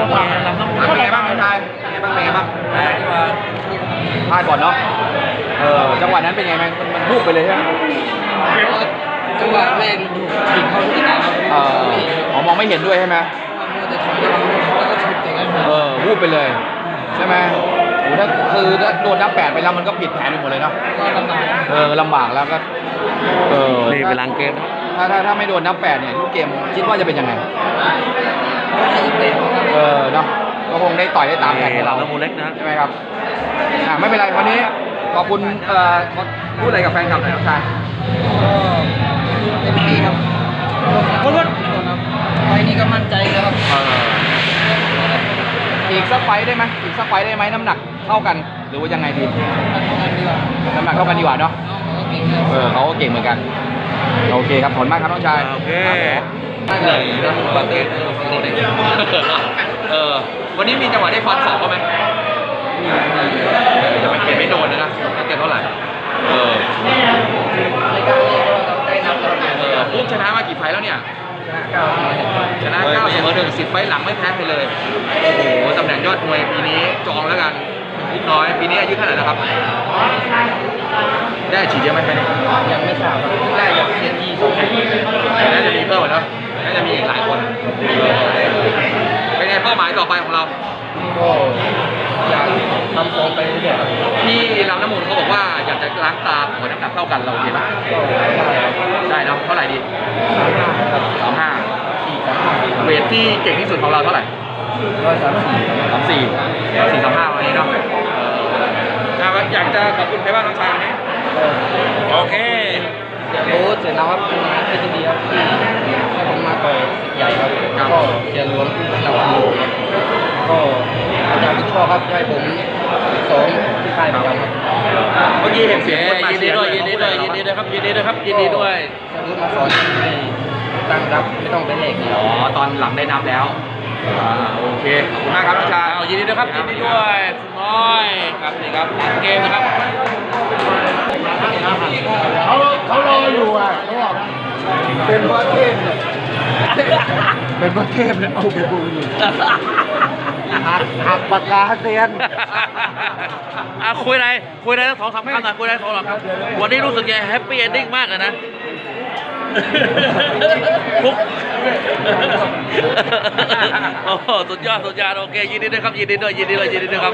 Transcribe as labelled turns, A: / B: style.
A: เป็นไงบ้างน้องชายเป็นไงบ้างพลาดก่อนเนาะจังหวะนั้นเป็นไงมันบุกไปเลยใช่ไหม
B: จังหวะแรกผิดเข้าที่ตา
A: มองไม่เห็นด้วยใช่ไหมวูบไปเลยใช่ไหมโอ้ถ้าโดนนับ8ไปแล้วมันก็ผิดแผนไปหมดเลยเนาะลำบากแล้วก็
C: นี่เป็นลังเกม
A: ถ้าไม่โดนนับ8เนี่ยลูกเกมคิดว่าจะเป็นยังไงเนาะก็คงได้ต่อยได้ตามแผนของเรา
C: น้ำมูเล็กนะ
A: ใช่ไหมครับไม่เป็นไรวันนี้ขอบคุณพูดอะไรกับแฟนคลับหน่อยน้องชาย
B: เต็มที่ครับไฟนี้ก็มั่นใจครับ
A: อีกสักไฟได้ไหมน้ำหนักเท่ากันหรือว่ายังไงดีน้ำหนักเท่ากันดีกว่าเนาะเขาก็เก่งเหมือนกันโอเคครับผลมากครับน้องชาย
C: โอเค
A: วันนี้มีจังหวะได้ฟันสองไหมจะไม่เก็บไม่โดนนะเก็บเท่าไหร่ปุ๊บชนะมากี่ไฟแล้วเนี่ยชนะ9เสมอ1 10ไฟหลังไม่แพ้ไปเลยโอ้โหตำแหน่งยอดมวยปีนี้จองแล้วกันนิดน้อยปีนี้อายุเท่าไหร่แล้วครับได้ฉีดเยอะไหมไปเนี่ย
B: ยังไม่ทราบได้อย่างเสียที2
A: น่าจะมีเพิ่มแล้วน่าจะมีอีกหลายคนเป็นไงเป้าหมายต่อไปของเรา
B: ก็อยากทำฟอร์มไปเรื่อย
A: ๆที่ลำน้ำมูลเขาบอกว่าอยากจะล้างตาขอน้ำหนักเท่ากันเราโอเคไหมได้เนาะเท่าไหร่ดี35เวทที่เก่งที่สุดของเราเท่าไหร่34วันนี้เนาะอยากจะขอบคุณใครบ้างน้องชายวันนี้
C: โอเค
B: โอ้เสร็จแล้วครับเป็นเอชดีครับที่ให้ผมมาต่อยใหญ่ครับก็เสียหลวงเราก็อาจารย์ผู้ชอบครับให้ผมสอนที่ค่ายประจำครับ
A: เมื่อกี้เห็นเสียง
C: ยินดีด้วยครับยินดีด้วย
B: รู้มาสอนตั้งรับไม่ต้องเป็นเหล็ก
A: ตอนหลังได้นับแล้วโอเคขอบคุณมากครับน้องชาย
C: ยินดีด้วยครับยินดีด้วยคุณน้อยครับนี่ครับหลังเกมนะครับ
B: เขารออยู่อ่ะเขาบอกเป็นพระเทพเนี่ยเอาไปบูอยู่หักปากกาเซียน
C: คุยอะไรทั้ง2-3 คำหน่อยคุยอะไร2-3 คำวันนี้รู้สึกยังแฮปปี้เอนดิ้งมากเลยนะฟุกโอ้สุดยอดโอเคยินดีด้วยครับยินดีด้วยครับ